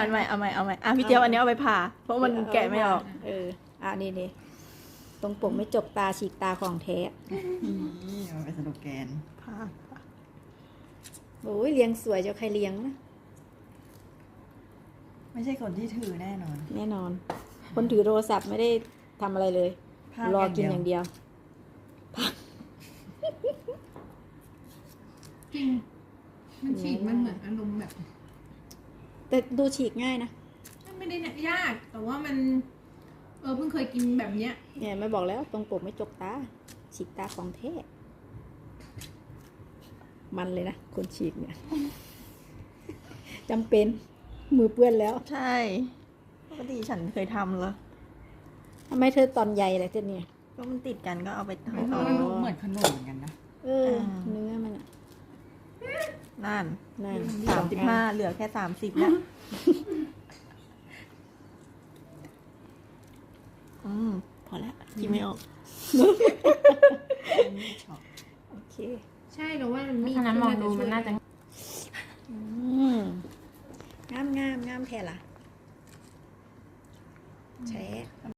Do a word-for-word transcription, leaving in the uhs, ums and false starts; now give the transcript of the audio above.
เอาใหม่เอาใหม่เอาใหม่อ่ะพี่เจี๊ยบอันนี้เอาไปผ่าเพราะมันแกะไม่ออกเอออ่ะนี่นี่ตรงปกไม่จบตาฉีกตาของแท้นี่มันเป็นสโลแกนผ่าโอ้ยเลี้ยงสวยเจ้าใครเลี้ยงนะไม่ใช่คนที่ถือแน่นอนแน่นอน คนถือโทรศัพท์ไม่ได้ทำอะไรเลยพากรออย่างเดีกินยวอย่างเดียวจริงมันฉีกมันเหมือนอารมณ์แบบแต่ดูฉีกง่ายนะไม่ได้ยาก แต่ว่ามัน เออเพิ่งเคยกินแบบเนี้ยเนี่ยไม่บอกแล้วตรงปกไม่จกตาฉีกตาของแท้มันเลยนะคนฉีกเนี่ยจำเป็นมือเปื้อนแล้วใช่ปกติฉันเคยทำเหรอทำไมเธอตอนใหญ่อะไรเธอเนี่ยก็มันติดกันก็เอาไปมันทำมันดูเหมือนขนมเหมือนกันนะเออเนื้อมันอะนั่นนั่นสามสิบห้าเหลือแค่สามสิบแล้วอืมพอแล้วกินไม่ออกโอเคใช่แต่ว่ามันมีถ้านั้นมองดูมันน่าจะอืมงามงามงามแท้ล่ะแช่